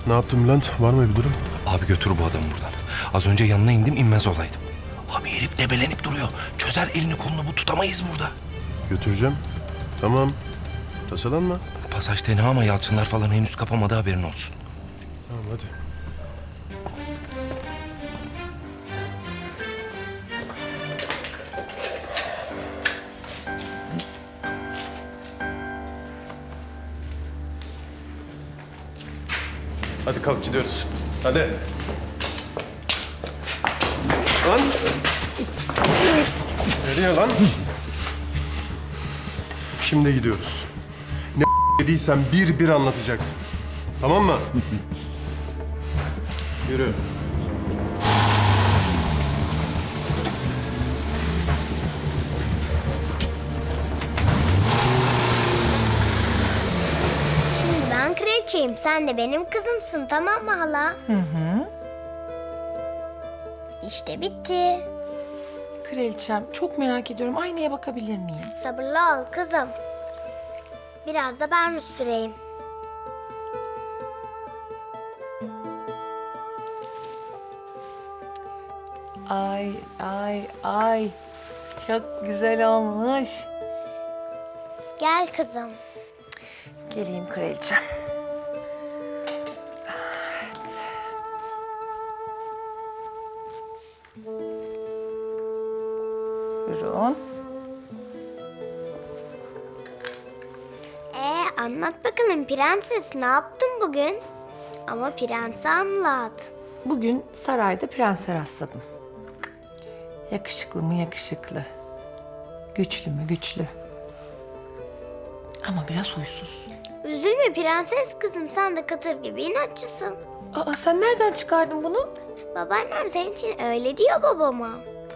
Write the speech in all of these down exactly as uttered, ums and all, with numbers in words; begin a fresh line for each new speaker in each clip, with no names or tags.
Ne yaptın Bülent? Var mı bir durum?
Abi götür bu adamı buradan. Az önce yanına indim, inmez olaydım. Abi herif debelenip duruyor. Çözer elini kolunu, bu tutamayız burada.
Götüreceğim. Tamam. Tasalanma.
Pasaj tenha ama Yalçınlar falan henüz kapamadı, haberin olsun.
Tamam hadi. Hadi kalk gidiyoruz. Hadi. Lan. Nereye lan? Şimdi gidiyoruz. Ne dediysen bir bir anlatacaksın. Tamam mı? Yürü.
Şimdi ben kraliçeyim. Sen de benim kızımsın, tamam mı hala? Hı hı. İşte bitti.
Kraliçem, çok merak ediyorum. Aynaya bakabilir miyim?
Sabırlı ol kızım. Biraz da ben süreyim.
Ay, ay, ay. Çok güzel olmuş.
Gel kızım.
Geleyim kraliçem. Evet. Buyurun.
Ee, anlat bakalım prenses, ne yaptın bugün? Ama prensi anlat.
Bugün sarayda prense rastladım. Yakışıklı mı yakışıklı. Güçlü mü güçlü. Ama biraz huysuz.
Üzülme prenses kızım, sen de Katır gibi inatçısın.
Aa, sen nereden çıkardın bunu?
Babaannem senin için öyle diyor babama.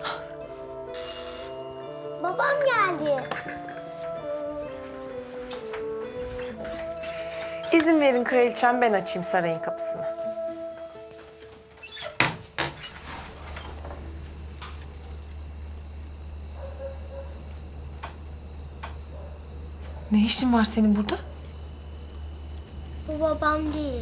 Babam geldi.
İzin verin kraliçem, ben açayım sarayın kapısını. Ne işin var senin burada?
Bu babam değil.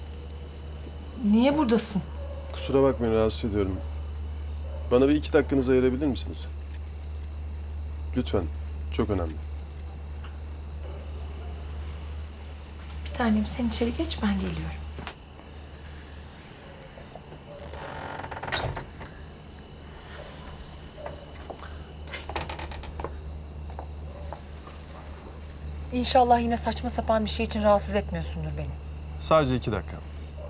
Niye buradasın?
Kusura bakmayın, rahatsız ediyorum. Bana bir iki dakikanızı ayırabilir misiniz? Lütfen. Çok önemli.
Bir tanem, sen içeri geç, ben geliyorum. İnşallah yine saçma sapan bir şey için rahatsız etmiyorsundur beni.
Sadece iki dakika.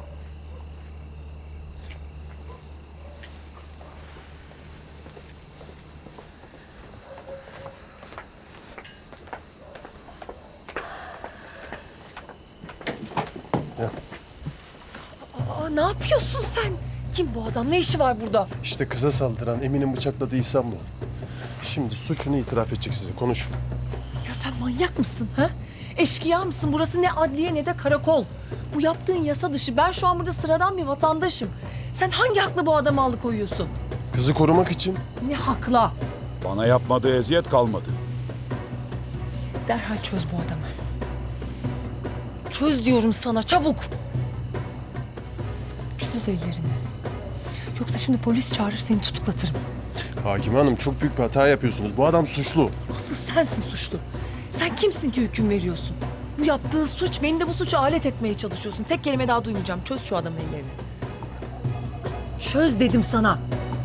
Aa, ne yapıyorsun sen? Kim bu adam? Ne işi var burada?
İşte kıza saldıran, Emin'in bıçakladığı İhsan bu. Şimdi suçunu itiraf edecek size. Konuşun.
Ya sen manyak mısın ha? Eşkıya mısın? Burası ne adliye ne de karakol. Bu yaptığın yasa dışı. Ben şu an burada sıradan bir vatandaşım. Sen hangi hakla bu adamı alıkoyuyorsun?
Kızı korumak için.
Ne hakla?
Bana yapmadığı eziyet kalmadı.
Derhal çöz bu adamı. Çöz diyorum sana, çabuk. Çöz ellerini. Yoksa şimdi polis çağırır, seni tutuklatırım.
Hakime Hanım, çok büyük bir hata yapıyorsunuz. Bu adam suçlu.
Asıl sensin suçlu. Sen kimsin ki hüküm veriyorsun? Bu yaptığı suç, beni de bu suça alet etmeye çalışıyorsun. Tek kelime daha duymayacağım. Çöz şu adamın ellerini. Çöz dedim sana.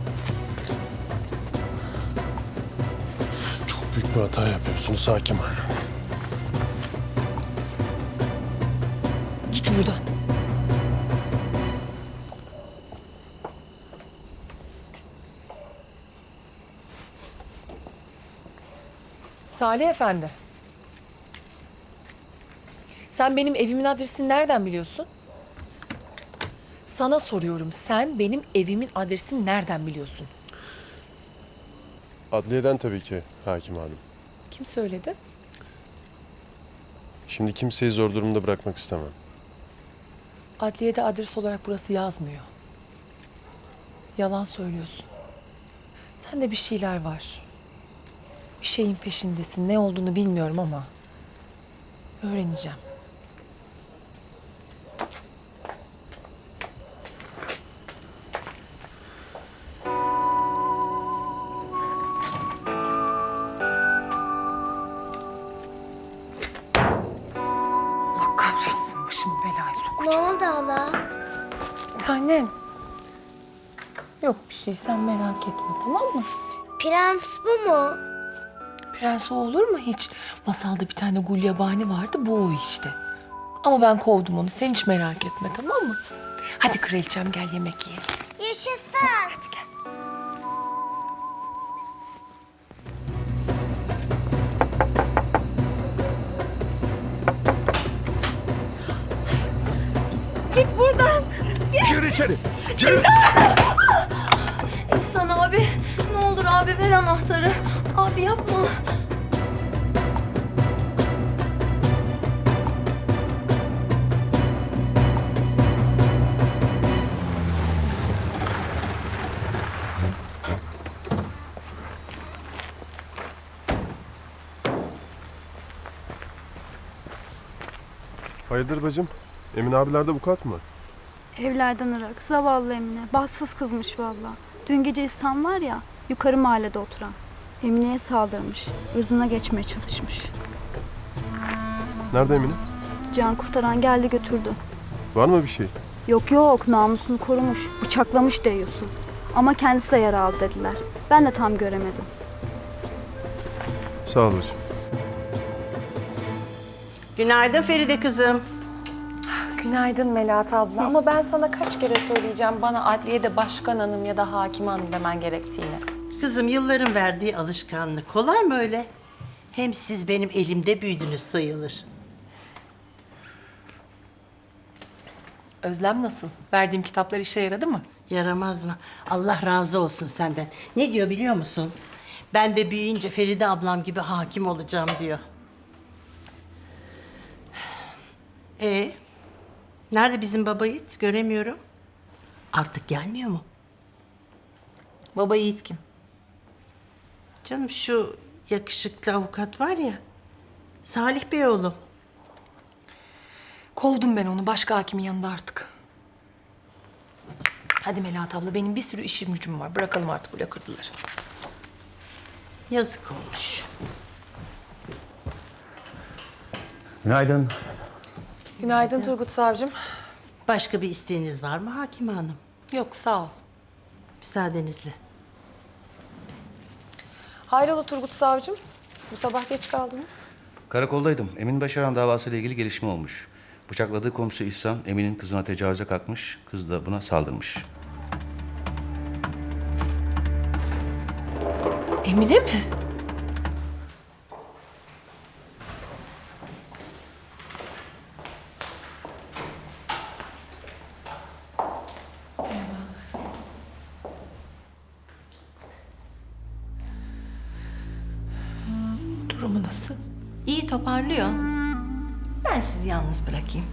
Çok büyük bir hata yapıyorsunuz Hakime Hanım.
Git buradan. Salih Efendi. Sen benim evimin adresini nereden biliyorsun? Sana soruyorum. Sen benim evimin adresini nereden biliyorsun?
Adliyeden tabii ki Hakime Hanım.
Kim söyledi?
Şimdi kimseyi zor durumda bırakmak istemem.
Adliyede adres olarak burası yazmıyor. Yalan söylüyorsun. Sende bir şeyler var. Bir şeyin peşindesin. Ne olduğunu bilmiyorum ama öğreneceğim. başım belaya sok.
Ne oldu hala?
Tanem. Yok bir şey, sen merak etme, tamam mı?
Prens bu mu?
Prens o olur mu hiç? Masalda bir tane gulyabani vardı, bu o işte. Ama ben kovdum onu, sen hiç merak etme, tamam mı? Hadi kraliçem, gel yemek yiyelim.
Yaşasın.
Hadi gel. Git buradan.
Gir içeri. Gir.
İhsan abi, ne olur abi ver anahtarı. Abi yapma.
Hayırdır bacım? Emin abilerde avukat mı?
Evlerden ırak. Zavallı Emine. Bahtsız kızmış vallahi. Dün gece İhsan var ya, yukarı mahallede oturan. Emine'ye saldırmış. Irzına geçmeye çalışmış.
Nerede Emine?
Can kurtaran geldi götürdü.
Var mı bir şey?
Yok yok, namusunu korumuş. Bıçaklamış diyorsun. Ama kendisi de yara aldı dediler. Ben de tam göremedim.
Sağ ol bacım.
Günaydın Feride kızım.
Günaydın Melahat abla. Ama ben sana kaç kere söyleyeceğim bana adliyede başkan hanım ya da hakim hanım demen gerektiğini.
Kızım yılların verdiği alışkanlık. Kolay mı öyle? Hem siz benim elimde büyüdünüz sayılır.
Özlem nasıl? Verdiğim kitaplar işe yaradı mı?
Yaramaz mı? Allah razı olsun senden. Ne diyor biliyor musun? Ben de büyüyünce Feride ablam gibi hakim olacağım diyor. Ee, nerede bizim baba yiğit? Göremiyorum. Artık gelmiyor mu?
Baba Yiğit kim?
Canım şu yakışıklı avukat var ya. Salih Bey oğlum.
Kovdum ben onu başka hakimin yanında artık. Hadi Melahat abla, benim bir sürü işim gücüm var. Bırakalım artık bu lakırdıları.
Yazık olmuş.
Günaydın.
Günaydın Turgut Savcım.
Başka bir isteğiniz var mı Hakime Hanım?
Yok sağ ol.
Müsaadenizle.
Hayrola Turgut Savcım? Bu sabah geç kaldınız.
Karakoldaydım. Emin Başaran davasıyla ilgili gelişme olmuş. Bıçakladığı komşu İhsan, Emin'in kızına tecavüze kalkmış. Kız da buna saldırmış.
Emine mi? Durumu nasıl?
İyi toparlıyor. Ben sizi yalnız bırakayım.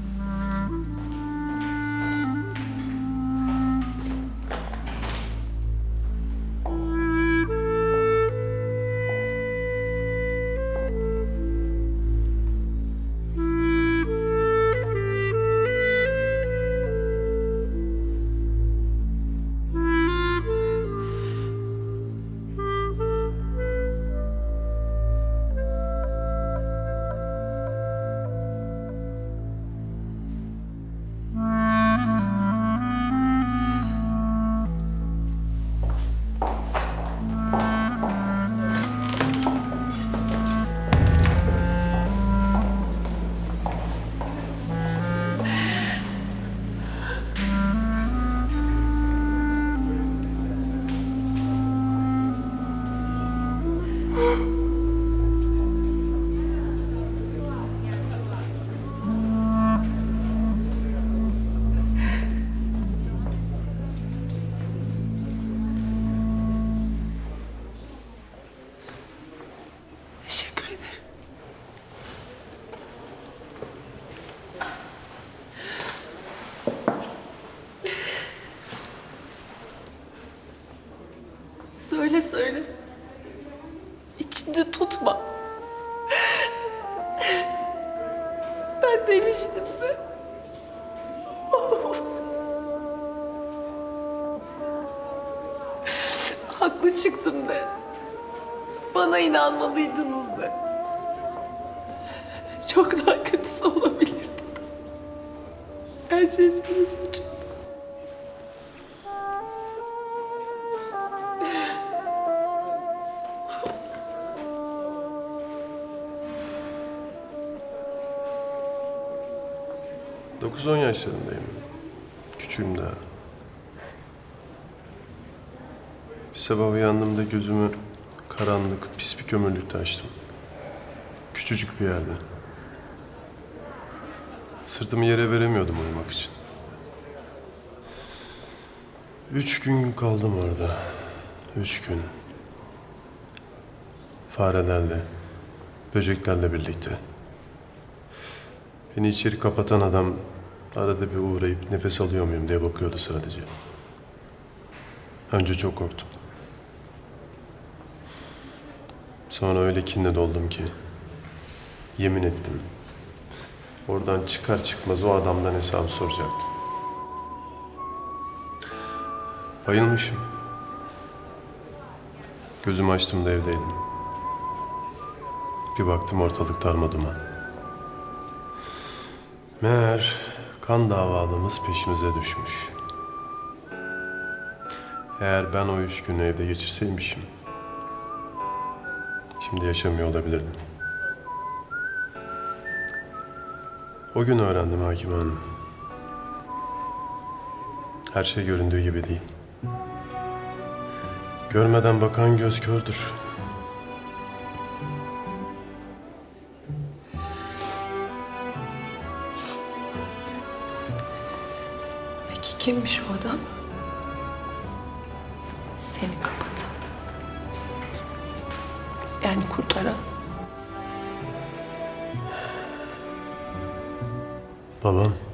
Teşekkür ederim.
Söyle söyle. İçinde tutma. Ben demiştim de. Haklı çıktım de. Bana inanmalıydınız de. Çok daha kötüsü olabilirdi. Her şey senin suçun.
dokuz on yaşlarındayım. Küçüğüm daha. Bir sabah uyandığımda gözümü karanlık, pis bir kömürlükte açtım. Küçücük bir yerde. Sırtımı yere veremiyordum uyumak için. Üç gün kaldım orada. Üç gün. Farelerle, böceklerle birlikte. Beni içeri kapatan adam arada bir uğrayıp nefes alıyor muyum diye bakıyordu sadece. Önce çok korktum. Sonra öyle kinle doldum ki yemin ettim. Oradan çıkar çıkmaz o adamdan hesabı soracaktım. Bayılmışım. Gözümü açtığımda evdeydim. Bir baktım ortalık darmaduman. Meğer kan davalımız peşimize düşmüş. Eğer ben o üç günü evde geçirseymişim, şimdi yaşamıyor olabilirdim. O gün öğrendim Hakime Hanım. Her şey göründüğü gibi değil. Görmeden bakan göz kördür.
Peki kimmiş o adam? Seni kapatan. Yani kurtaran.
Babam.